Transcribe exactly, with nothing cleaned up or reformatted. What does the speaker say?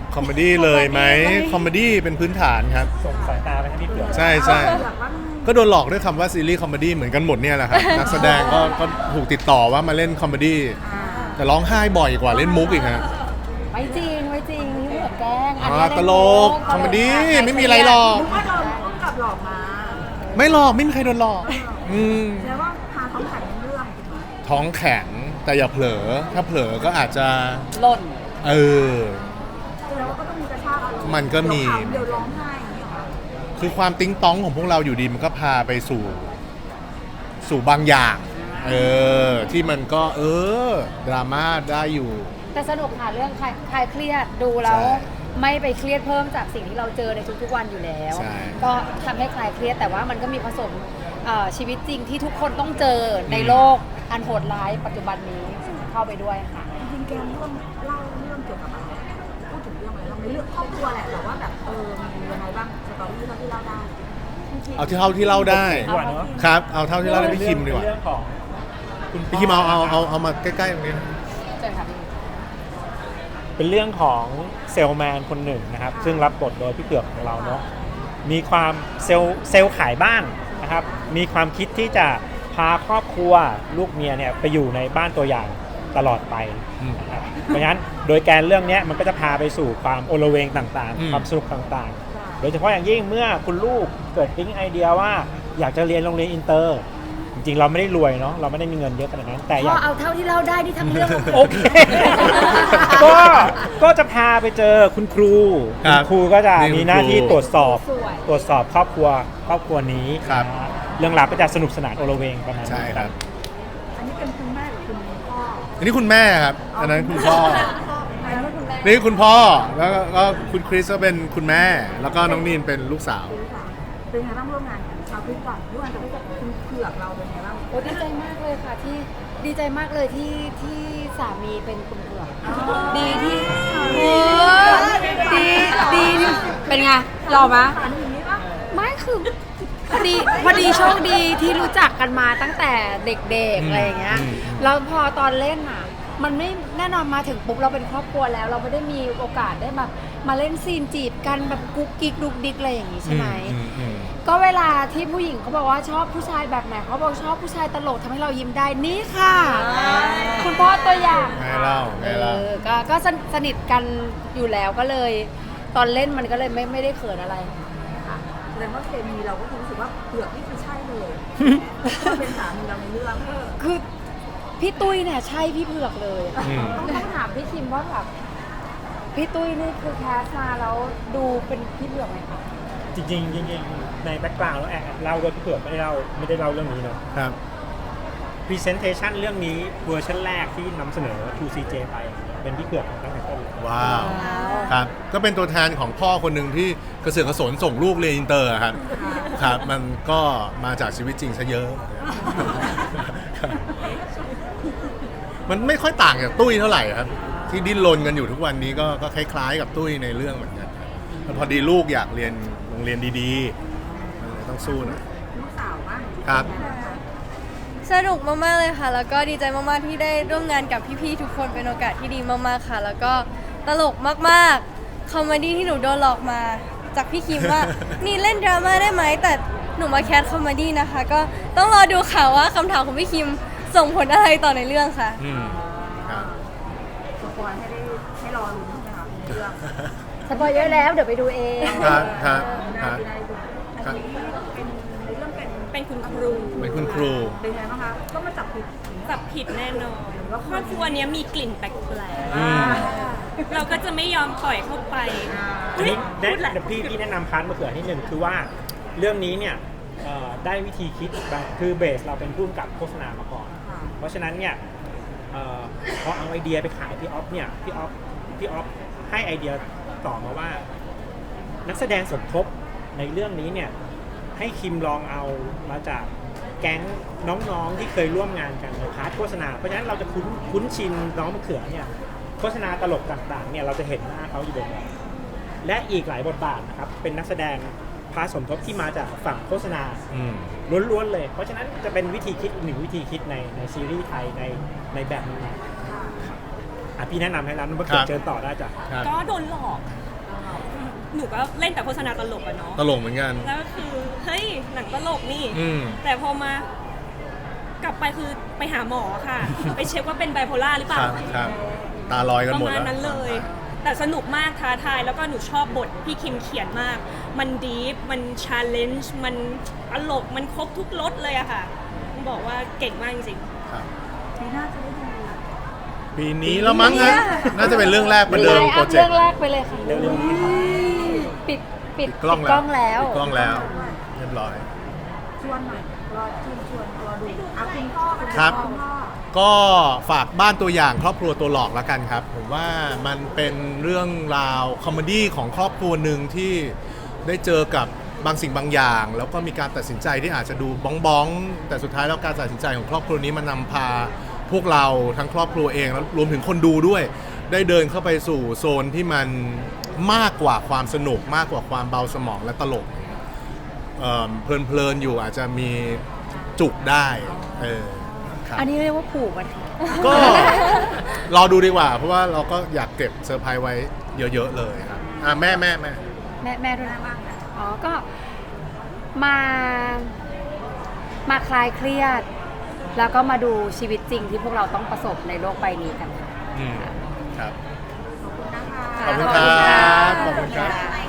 คอมเมดี้เลยไหมคอมเมดี้เป็นพื้นฐานครับส่งสายตาไปทางพี่เผือกใช่ใช่ก็โดนหลอกด้วยคำว่าซีรีส์คอมเมดี้เหมือนกันหมดเนี่ยแหละครับนักแสดงก็ก็ถูกติดต่อว่ามาเล่นคอมเมดี้แต่ร้องไห้บ่อยกว่าเล่นมุกอีกฮะไม่จริงไม่จริงนี่เหมือนแกล้งอ๋อตลกคอมเมดี้ไม่มีอะไรหรอกนึกว่าโดนต้องกลับหลอกมาไม่หลอกไม่มีใครโดนหลอกอืมแล้วว่าพาท้องแข็งเรื่องถูกไหมท้องแข็งแต่อย่าเผลอถ้าเผลอก็อาจจะหล่นเออแล้วก็ต้องมีกระชากอารมณ์มันก็มีเดี๋ยวร้องไห้อย่างนี้เหรอคือความติ๊งต้องของพวกเราอยู่ดีมันก็พาไปสู่ สู่บางอย่างเออที่มันก็เออดราม่าได้อยู่แต่สนุกค่ะเรื่องคลายคลายเครียดดูแล้วใช่ไม่ไปเครียดเพิ่มจากสิ่งที่เราเจอในทุกๆวันอยู่แล้วใช่ก็ทำให้คลายเครียดแต่ว่ามันก็มีผสมเอ่อชีวิตจริงที่ทุกคนต้องเจอในโลกอันโหดร้ายปัจจุบันนี้เข้าไปด้วยค่ะจริงๆแกมเรื่องเล่าเรื่องเกี่ยวกับอะไรพูดถึงเรื่องอะไรบ้างในเรื่องครอบครัวแหละแต่ว่าแบบเออมียังไงบ้างสตอรี่ที่เล่าได้เอาที่เท่าที่เล่าได้ดีกว่าเนาะครับเอาเท่าที่เล่าได้พี่คิมดีกว่าเรื่องของคุณพี่คิมเอาเอาเอาเอามาใกล้ๆตรงนี้เจอค่ะพี่เป็นเรื่องของเซลแมนคนหนึ่งนะครับซึ่งรับบทโดยพี่เผือกของเราเนาะมีความเซลเซลขายบ้านนะครับมีความคิดที่จะพาครอบครัวลูกเมียเนี่ยไปอยู่ในบ้านตัวอย่างตลอดไปนะครับเพราะฉะนั้นโดยแกนเรื่องนี้มันก็จะพาไปสู่ความโอลเวงต่างๆความสนุกต่างๆโดยเฉพาะอย่างยิ่งเมื่อคุณลูกเกิดปิ๊งไอเดียว่าอยากจะเรียนโรงเรียนอินเตอร์จริงๆเราไม่ได้รวยเนาะเราไม่ได้มีเงินเยอะขนาดนั้นแต่อพยาอก เอาเท่าที่เล่าได้นี่ทั้งเรื่องโอเค ก็ก็จะพาไปเจอคุณครูครัคุบณครูก็จะนี่คุณมีหน้าที่ครูตรวจสอบสวยตรวจสอบครอบครัวครอบครัวนี้ครับนะฮะเรื่องราวก็จะสนุกสนานโอลเวงประมาณใช่นี้ครับอันนี้เป็นคุณแม่หรือคุณพ่ออันนี้คุณแม่ครับอันนั้นคุณพ่ออันนั้นคุณแม่นี่คุณพ่อแล้วก็ก็คุณคริสก็เป็นคุณแม่ แล้วก็น้องนีนเป็นลูกสาวเป็นไงบ้างร่วมงานกันชาวพิษก่อนร่วมงานกับคุณเผือกเราเป็นไงบ้างโอ้ดีใจมากเลยค่ะที่ดีใจมากเลยที่ที่สามีเป็นคุณเผือกดีที่โอ้ดีดีที่เป็นไงหล่อไหมอันนี้ปะไม่คือพอดีพอดีโชคดีที่รู้จักกันมาตั้งแต่เด็กๆอะไรอย่างเงี้ยอืมแล้วพอตอนเล่นอ่ะ มันไม่แน่นอนมาถึงปุ๊บเราเป็นครอบครัวแล้ว เราไม่ได้มีโอกาสได้แบบมาเล่นซีนจีบกันแบบกุ๊กกิ๊กดุกดิกอะไรอย่างงี้ใช่ไหมอืมอืมก็เวลาที่ผู้หญิงเขาบอกว่าชอบผู้ชายแบบไหนเขาบอกชอบผู้ชายตลกทำให้เรายิ้มได้นี่ค่ะ คุณพ่อตัวอย่างไงเล่าไงเล่าออก็ก็สนสนิทกันอยู่แล้วก็เลย ตอนเล่นมันก็เลยไม่ไม่ได้เขินอะไรค่ะแสดงว่าเคมีเราก็รู้สึกว่าเผือกนี่คือใช่เลยเป็นสามีเราในเรื่องคือพี่ตุ้ยเนี่ยใช่พี่เผือกเลยอืมต้องต้องถามพี่คิมว่าแบบพี่ตุ้ยนี่คือแคสมาแล้วดูเป็นพี่เผือกไหมคะจริงๆจริงๆในแบ็กกราวด์แล้วแอบเล่าด้วยพี่เผือกไม่ได้เล่าไม่ได้เล่าเรื่องนี้เนาะครับพรีเซนเทชันเรื่องนี้เวอร์ชันแรกที่นำเสนอ ทู ซี เจ ไปเป็นพี่เผือกตั้งแต่ต้นเลยว้าวครับก็เป็นตัวแทนของพ่อคนหนึ่งที่กระเสือกกระสนส่งลูกเรียนอินเตอร์อะครับครับมันก็มาจากชีวิตจริงซะเยอะครับมันไม่ค่อยต่างจากตุ้ยเท่าไหร่ครับ ที่ดิ้นรนกันอยู่ทุกวันนี้ก็ก็คล้ายๆกับตุ้ยในเรื่องเหมือนกันครับพอดีลูกอยากเรียนโรงเรียนดีๆมันเลยต้องสู้หน่อยลูกสาวบ้างครับสนุกมากๆเลยค่ะ แล้วก็ดีใจมากๆที่ได้ร่วมงานกับพี่ๆทุกคนเป็นโอกาสที่ดีมากๆค่ะ แล้วก็ตลกมากๆคอมเมดี้ที่หนูโดนหลอกมาจากพี่คิมว่า นี่เล่นดราม่าได้ไหมแต่หนูมาแคสคอมเมดี้นะคะ ก็ต้องรอดูค่ะว่าคำถามของพี่คิมส่งผลอะไรต่อในเรื่องค่ะอืมครับสปอยให้ได้ให้รอลุ้นใช่ไหมคะในเรื่องสปอยเยอะแล้วเดี๋ยวไปดูเองครับครับคได้รับได้ดูครับเป็นในเรื่องเป็นเป็นคุณครูเป็นคุณครูเป็นไงบ้างคะก็มาจับผิดจับผิดแน่นอนว่าครอบครัวเนี้ยมีกลิ่นแปลกอืมๆเราก็จะไม่ยอมปล่อยเข้าไปอันนี้แนะพูดแหละเดี๋ยวพี่พี่แนะนำพาร์ทมะเขือนิดนึงคือว่าเรื่องนี้เนี่ยเอ่อได้วิธีคิดแบบคือเบสเราเป็นผู้กำกับโฆษณามาก่อนค่ะเพราะฉะนั้นเนี่ยเอ่อพอเอาไอเดียไปขายพี่ออฟเนี่ยพี่ออฟพี่ออฟให้ไอเดียต่อมาว่า นักแสดงสมทบในเรื่องนี้เนี่ยให้คิมลองเอามาจากแก๊งน้องๆที่เคยร่วมงานกันในพาร์ทโฆษณาเพราะฉะนั้นเราจะคุ้นคุ้นชินน้องมะเขือเนี่ยโฆษณาตลกต่างๆเนี่ยเราจะเห็นหน้าเขาอยู่บ่อยๆและอีกหลายบทบาทนะครับเป็นนักแสดงพาร์ทสมทบที่มาจากฝั่งโฆษณาอืมล้วนๆเลย เพราะฉะนั้นจะเป็นวิธีคิดอีกหนึ่งวิธีคิดในในซีรีส์ไทยในในแบบนี้อ่ะพี่แนะนำให้ร้านมะเขือเจอต่อได้จ้ะครับก็โดนหลอกหนูก็เล่นแต่โฆษณาตลกอะเนาะตลกเหมือนกันแล้วก็คือเฮ้ยหนังตลกนี่อืมแต่พอมากลับไปคือไปหาหมอค่ะ ไปเช็คว่าเป็นไบโพล่าหรือเปคล่ารับครับตาลอยกันประหมดมาณแล้วนั้นเลย แต่สนุกมากท้าทายแล้วก็หนูชอบบทพี่คิมเขียนมาก มันดีฟมันชาเลนจ์มันตลกมันครบทุกรสเลยอะค่ะต้องบอกว่าเก่งมากจริงครับปีหน้าจะได้ดูปีนี้แล้วมั้งฮะน่าจะเป็นเรื่องแรกประเดิมไลน์โปรอัพเจกเรื่องต์แรกไปเลยค่ะเร็วๆนี้ครับปิดปิดปิดกล้องปิดกล้องแล้วปิดกล้องแล้ว เรียบร้อยชวนหน่อยรอชวนชวนรอดูอาคุณพ่อคุณครับพ่อก็ฝากบ้านตัวอย่างครอบครัวตัวหลอกแล้วกันครับ ผมว่ามันเป็นเรื่องราวคอมเมดี้ของครอบครัวหนึ่งที่ได้เจอกับบางสิ่งบางอย่าง แล้วก็มีการตัดสินใจที่อาจจะดูบ้องบ้องๆแต่สุดท้ายแล้วการตัดสินใจของครอบครัวนี้มันนำพาพวกเราทั้งครอบครัวเองแล้วรวมถึงคนดูด้วย ได้เดินเข้าไปสู่โซนที่มันมากกว่าความสนุกมากกว่าความเบาสมองและตลกเอ่อเพลินๆอยู่อาจจะมีจุกได้เออครับอันนี้เรียกว่าผูกมันค่ะก็รอดูดีกว่า เพราะว่าเราก็อยากเก็บเซอร์ไพรส์ไว้เยอะๆเลยครับอ่ะแม่แม่แม่แม่แม่ด้วยนะบ้างนะอ๋อ ก็มา มาคลายเครียด แล้วก็มาดูชีวิตจริงที่พวกเราต้องประสบในโลกใบนี้กันค่ะอืมครับขอบคุณนะคะขอบคุณครับขอบคุณครับะ